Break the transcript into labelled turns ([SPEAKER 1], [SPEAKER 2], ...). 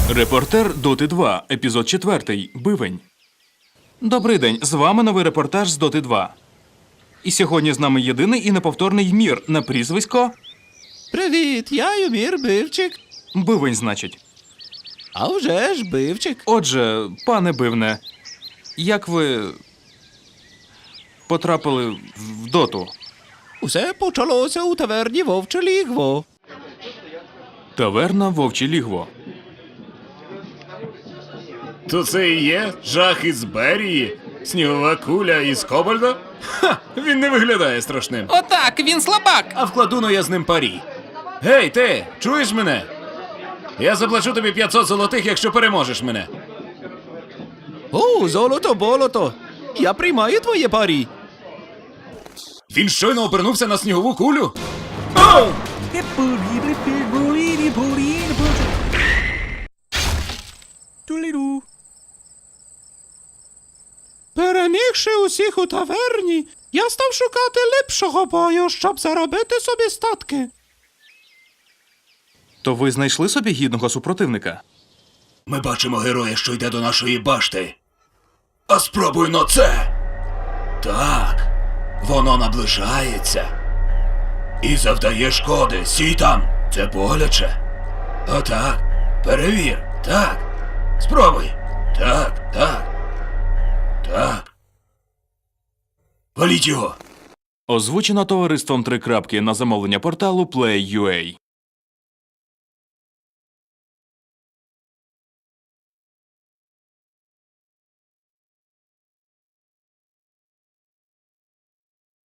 [SPEAKER 1] Репортер Доти 2, епізод 4. Бивень. Добрий день, з вами новий репортаж з Доти 2. І сьогодні з нами єдиний і неповторний Ymir на прізвисько...
[SPEAKER 2] Привіт, я Ymir Бивчик.
[SPEAKER 1] Бивень, значить.
[SPEAKER 2] А вже ж Бивчик.
[SPEAKER 1] Отже, пане Бивне, як ви потрапили в Доту?
[SPEAKER 2] Усе почалося у таверні Вовче Лігво.
[SPEAKER 1] Таверна Вовче Лігво.
[SPEAKER 3] То це і є жах із Берії? Снігова куля із Кобальда? Ха! Він не виглядає страшним.
[SPEAKER 4] Отак, він слабак.
[SPEAKER 3] А вкладу я з ним парі. Гей, ти, чуєш мене? Я заплачу тобі 500 золотих, якщо переможеш мене.
[SPEAKER 2] О, золото-болото. Я приймаю твоє парі.
[SPEAKER 3] Він щойно обернувся на снігову кулю?
[SPEAKER 2] Перемігши усіх у таверні, я став шукати ліпшого бою, щоб заробити собі статки.
[SPEAKER 1] То ви знайшли собі гідного супротивника?
[SPEAKER 3] Ми бачимо героя, що йде до нашої башти. А спробуй но це. Так, воно наближається. І завдає шкоди. Сій там, це боляче. Отак, перевір, так. Спробуй. Так, так. Так. Валіть його.
[SPEAKER 1] Озвучено товариством 3 крапки на замовлення порталу Play.ua.